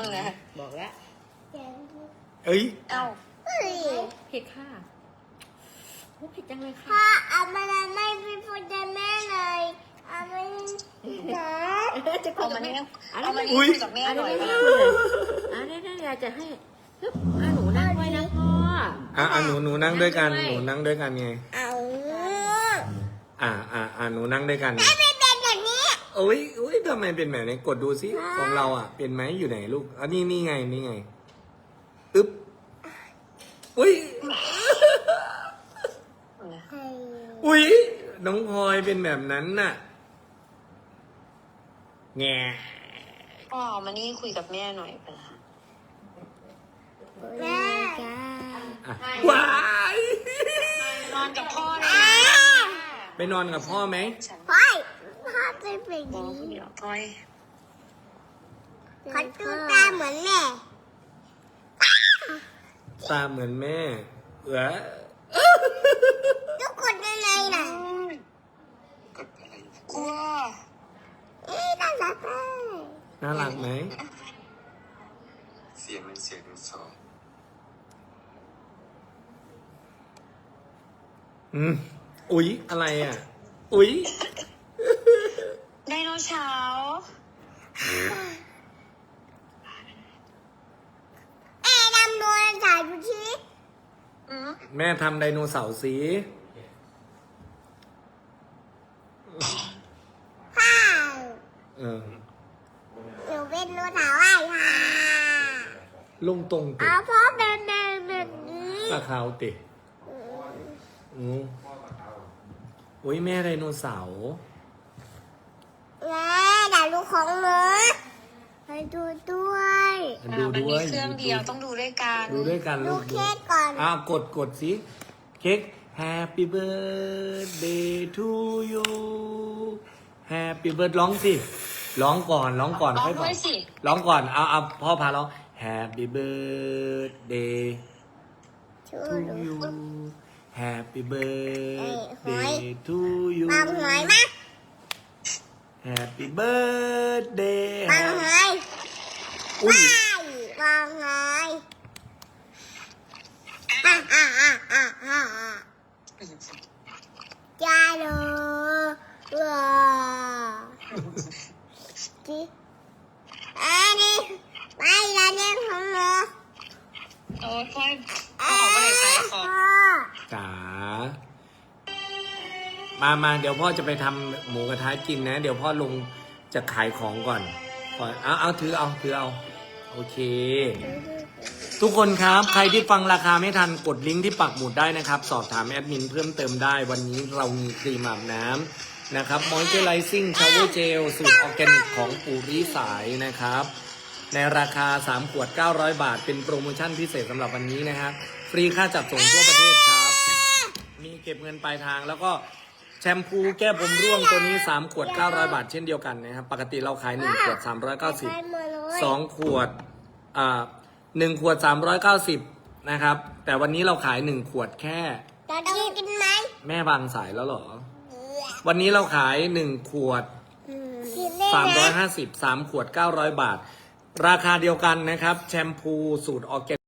บอกแล้วเอ้ยเอ้าเผ็ดค่ะโอ้เผ็ดจังเลยค่ะพ่อเอามาไม่เป็นพ่อจะแม่เลยเอาไม่นะจะคุเอายกัมาบแม่นี่อะไรเอามานะนี่คุยกับแม่อะไรหน่อยนะนะได้ยายจะให้ฮึบหนูนั่งด้วยนะพ่อหนูนั่งด้วยกันหนูนั่งด้วยกันไงเอาหนูนั่งด้วยกันไม่เป็นแบบนี้อุ้ยทำไมเป็นแบบนี้กดดูซิของเราเป็นไหมอยู่ไหนลูกนี่ไงอึ๊บอุ้ยอุ้ยน้องพลอยเป็นแบบนั้นน่ะแงพ่อเอามานี่คุยกับแม่หน่อยเป็นไรแม่ว้ายนอนกับพ่อเลยไปนอนกับพ่อไหมพ่อพ่อจะเป็นบอกนี้เดี๋ยวพ่อยเขาดูตาเหมือนแม่ตาเหมือนแม่อทุกคนยังไงล่ะกลัวน่ารักมากน่ารักไหมเสียงเป็นเสียงเป็นสองอุ๊ยอะไรอุ๊ยไดโนเสาร์ดำโดนถ่ายดูชีแม่ทำไดโนเสาร์สิพ่อเออหนูเป็นโนถ่ายว่าค่ะลุงตรงติเอาพ่อเป็นแบบนี้ตาขาวติอุ๊ยแม่ไดโนเสาร์แม่ด่าลูกของหนูไปดูด้วยดูมันด้มีวยเครื่องเดียวต้องดูด้วยกันดูด้วยกันดูลูกเค้กก่อนกดสิเค้ก Happy birthday to you Happy birthday ร้องสิร้องก่อนร้องค่อยด้บอวกยสิร้องก่อนเอาพ่อพาร้อง Happy birthday ชู to ดู you Happy หอย birthday to you บางหอยมั้ย Happy birthday บางหอยอุ้ยบางหอยจ้าดูว้าจีอันนี้ไปแล้วเนี่ยของหนูโอ้ยพ่อยเอาของอะไรใส่ขอบจ๋ามาเดี๋ยวพ่อจะไปทำหมูกระทะกินนะ เดี๋ยวพ่อลงจะขายของก่อนเอาถือเอาโอเค ทุกคนครับใครที่ฟังราคาไม่ทันกดลิงก์ที่ปักหมุดได้นะครับ สอบถามแอดมินเพิ่มเติมได้วันนี้เรามีครีมอาบน้ำนะครับมอยเจอร์ไลซิ่งชาวเวอร์เจลสูตรออร์แกนิกของปู่ริสายนะครับในราคา3ขวด900 บาทเป็นโปรโมชั่นพิเศษสำหรับวันนี้นะครับฟรีค่าจัดส่งทั่วประเทศครับมีเก็บเงินปลายทางแล้วก็แชมพูแก้ผมร่วงตัวนี้3ขวด900 บาทเช่นเดียวกันนะครับปกติเราขาย1ขวด390 2ขวด1ขวด390นะครับแต่วันนี้เราขาย1ขวดแค่จะต้องกินไหมแม่วางสายแล้วเหรอวันนี้เราขาย1ขวดกินได้ไหม 350 3ขวด900 บาทราคาเดียวกันนะครับแชมพูสูตรออร์แกนิก